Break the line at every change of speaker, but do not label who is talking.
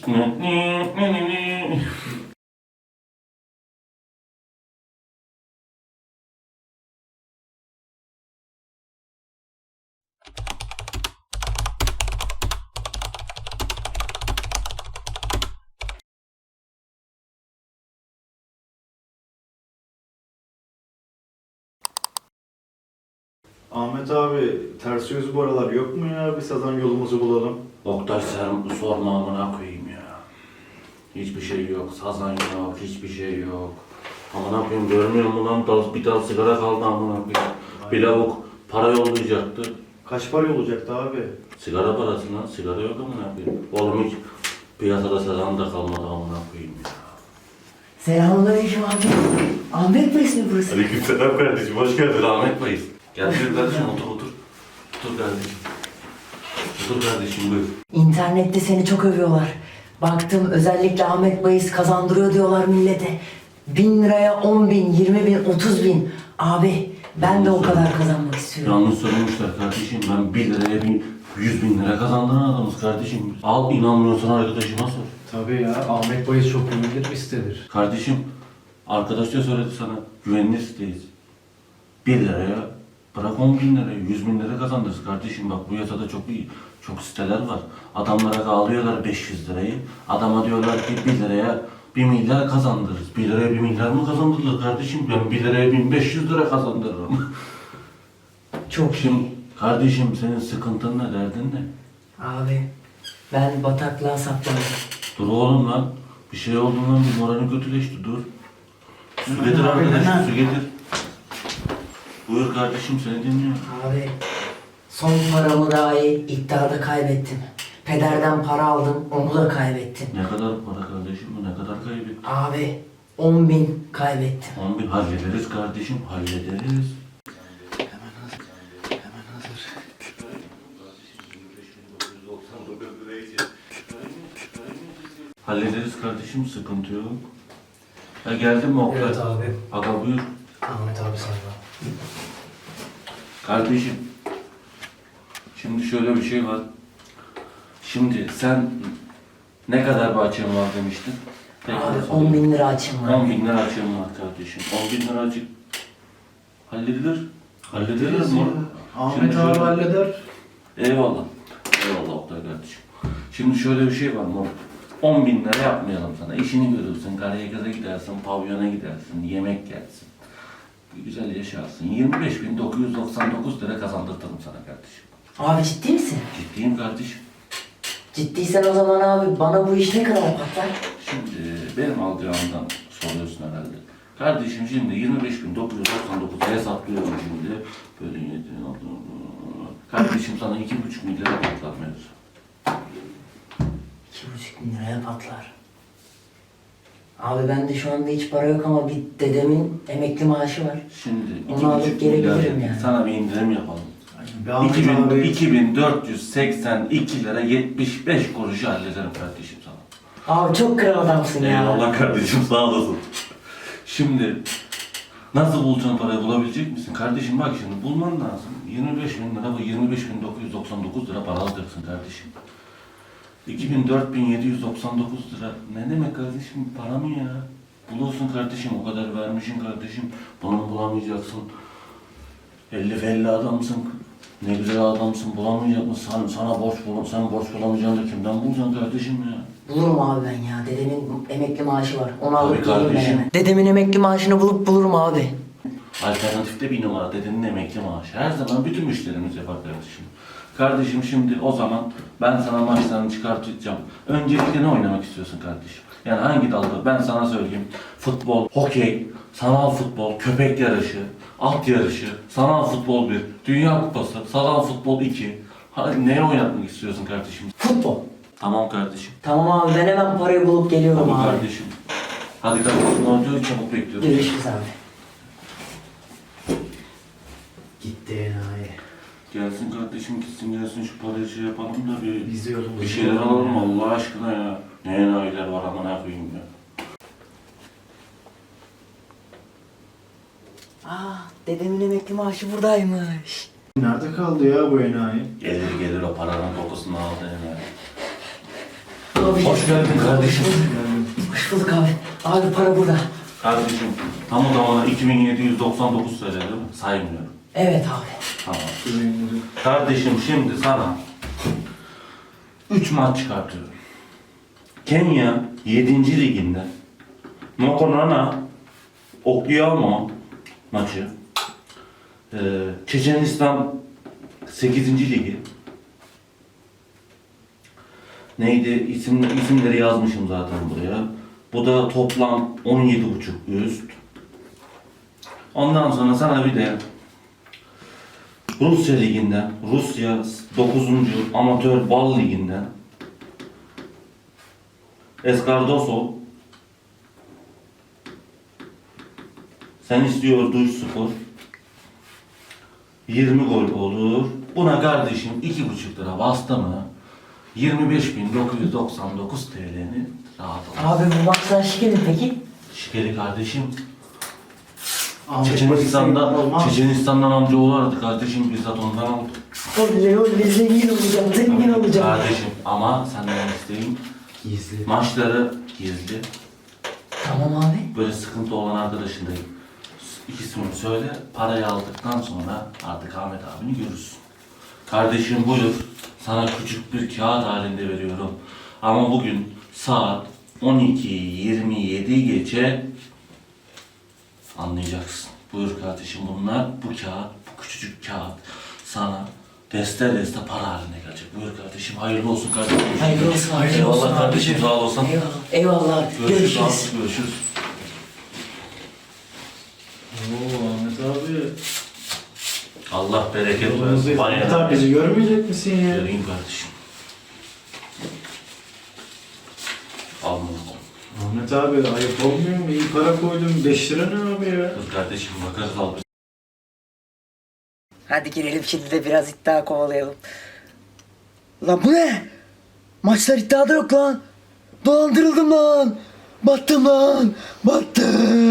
Ahmet abi, ters yüz bu aralar yok mu ya? Bir sazan yolumuzu bulalım.
Oktay sen sorma amına koyayım ya. Hiçbir şey yok, sazan yok, hiçbir şey yok. Amına koyayım görmüyor musun lan? Bir dal sigara kaldı amına koyayım. Bir lavuk para yollayacaktı.
Kaç para olacaktı abi?
Sigara parasına, sigara yok amına koyayım. Oğlum hiç piyasada sazan da kalmadı amına koyayım ya.
Selamünaleyküm abi. Ahmet Bey mi burası?
Aleykümselam kardeşim, hoş geldin Ahmet Bey. Gel kardeşim, otur. Otur kardeşim. Otur kardeşim, buyur.
İnternette seni çok övüyorlar. Baktım özellikle Ahmet Bayis kazandırıyor diyorlar millete. 1000 liraya 10 bin, 20 bin, 30 bin. Abi ben de o kadar kazanmak istiyorum.
Yanlış söylemişler kardeşim. Ben 1 liraya 100 bin lira kazandıran adamız kardeşim. Al, inanmıyorsan arkadaşıma sor.
Tabii ya, Ahmet Bayis çok güvenilir bir sitedir.
Kardeşim, arkadaş da söyledi sana. Güvenilir siteyiz. 1 liraya bırak 10 bin liraya, 100 bin lira kazandırırız kardeşim. Bak bu yasada çok siteler var. Adamlara alıyorlar 500 lirayı. Adama diyorlar ki 1 liraya 1 milyar kazandırırız. 1 liraya 1 milyar mı kazandırılır kardeşim? Ben 1 liraya 1500 lira kazandırırım.
Çok
Şimdi
iyi.
kardeşim senin sıkıntın ne, derdin ne?
Abi ben bataklığa saplandım.
Dur oğlum lan. Bir şey olduğundan bir moralin kötüleşti, dur. Su getir arkadaşım, su getir. Buyur kardeşim, seni dinliyorum.
Abi son paramı dahi iddiada kaybettim. Pederden para aldım, onu da kaybettim.
Ne kadar para kardeşim bu, ne kadar kaybettin?
Abi 10 bin kaybettim.
10 bin hallederiz kardeşim, hallederiz.
Hemen hazır.
Hallederiz kardeşim, sıkıntı yok. Ya geldin mi Oktay?
Evet abi.
Aga buyur.
Ahmet abi sana.
Kardeşim, şimdi şöyle bir şey var. Şimdi sen ne kadar bir açığın var demiştin?
Abi 10 bin lira açım var.
10 bin lira açığım var kardeşim. 10 bin lira açık halledilir. Halledilir mi?
Ahmet
Şimdi
abi
şöyle-
halleder.
Eyvallah. Eyvallah Oktay kardeşim. Şimdi şöyle bir şey var mı? 10 bin lira yapmayalım sana. İşini görürsün, Karayaka'da gidersin, pavyona gidersin, yemek yersin. Güzel yaşarsın. 25.999 lira kazandırtırım sana kardeşim.
Abi ciddi misin?
Ciddiyim kardeşim.
Ciddiysen o zaman abi bana bu iş ne kadar patlar?
Şimdi benim alacağımdan soruyorsun herhalde. Kardeşim şimdi 25.999 hesaplıyorum şimdi. Böyle 7, kardeşim sana 2,5 milyara patlar mevzu.
2,5 bin liraya patlar. Abi bende şu anda hiç para yok ama bir dedemin emekli maaşı var.
Şimdi
Onu alıp
2,5 milyar
gelebilirim
dedik.
yani.
Sana bir indirim yapalım.
Bir Ahmet abi.
2482 lira 75 kuruşu hallederim kardeşim sana.
Abi çok kral adamsın ya.
Eyvallah kardeşim, sağ olasın. Şimdi nasıl bulacaksın parayı, bulabilecek misin? Kardeşim bak şimdi bulman lazım. 25 bin lira ve 25.999 lira para alacaksın kardeşim. 24.799 lira ne demek kardeşim, para mı ya? Bulursun kardeşim, o kadar vermişsin kardeşim. Bunu bulamayacaksın. 50 adamsın. Ne güzel adamsın, bulamayacak mısın? Sana borç sen borç bulamayacaksın da kimden bulacaksın kardeşim ya?
Bulurum abi ben ya. Dedemin emekli maaşı var. Onu
Abi
alıp geleyim ben
kardeşim.
hemen. Dedemin emekli maaşını bulup bulurum abi.
Alternatifte bir numara, dedenin emekli maaşı. Her zaman bütün müşterimiz yapar kardeşim. Kardeşim şimdi o zaman ben sana maçlarını çıkartacağım. Öncelikle ne oynamak istiyorsun kardeşim? Yani hangi dalda? Ben sana söyleyeyim. Futbol, hokey, sanal futbol, köpek yarışı, at yarışı, sanal futbol 1, Dünya Kupası, sanal futbol 2. Neye oynatmak istiyorsun kardeşim?
Futbol.
Tamam kardeşim.
Tamam abi ben hemen parayı bulup geliyorum
Tamam
abi.
kardeşim. Hadi kardeşim, ne oluyor? Çabuk bekliyorum.
Görüşürüz abi.
Gitti enayi.
Gelsin kardeşim, gitsin gelsin, şu parayı şey yapalım da
Biz de yolumuzu
bir şeyler
bulalım
alalım
ya.
Allah aşkına ya. Ne enayiler var amına koyayım ya.
Dedemin emekli maaşı buradaymış.
Nerede kaldı ya bu enayi?
Gelir o paranın kokusunu aldı yani.
abi.
Hoş geldin kardeşim.
Hoş bulduk abi. Abi para burada.
Kardeşim tam o zamana 2799 TL değil mi? Saymıyorum.
Evet abi.
Tamam. Kardeşim şimdi sana 3 maç çıkartıyorum. Kenya 7. liginde Mokonana Oklahoma maçı. Çeçenistan 8. ligi. Neydi? İsimleri yazmışım zaten buraya. Bu da toplam 17,5 üst. Ondan sonra sana bir de Rusya liginden, Rusya 9. Amatör Bal liginden Eskardosov sen istiyor Duşspor 20 gol olur. Buna kardeşim 2,5 lira bastı mı 25.999 TL'ni rahat al.
Abi bu maçlar şikeli peki?
Şikeli kardeşim.
Olmaz.
Çeçenistan'dan amcaoğlu aradı kardeşim, bizzat ondan aldım.
Oley zengin olacağım, zengin olacağım.
Kardeşim ama senden isteğim
Gizli.
maçları gizli.
Tamam abi.
Böyle sıkıntı olan arkadaşın da ikisini söyle. Parayı aldıktan sonra artık Ahmet abini görürsün. Kardeşim buyur. Sana küçük bir kağıt halinde veriyorum. Ama bugün saat 12:27 geçe anlayacaksın. Buyur kardeşim, bunlar bu kağıt, bu küçücük kağıt sana deste deste para haline gelecek. Buyur kardeşim, hayırlı olsun kardeşim.
Hayırlı olsun, hayırlı olsun.
Eyvallah kardeşim, sağ olasın.
Eyvallah. Eyvallah.
Görüşürüz.
Görüşürüz.
Abi, görüşürüz.
Oo Ahmet abi.
Allah bereket
Yolumuzu
versin.
Ahmet abi bizi görmeyecek misin ya?
Göreyim kardeşim. Al bunu.
Ahmet abi ayıp olmuyor mu? İyi para koydum. 5 lira ne abi ya?
Kız kardeşim bakarız al.
Hadi girelim şimdi de biraz iddia kovalayalım. Lan bu ne? Maçlar iddiada yok lan. Dolandırıldım lan. Battım lan. Battım.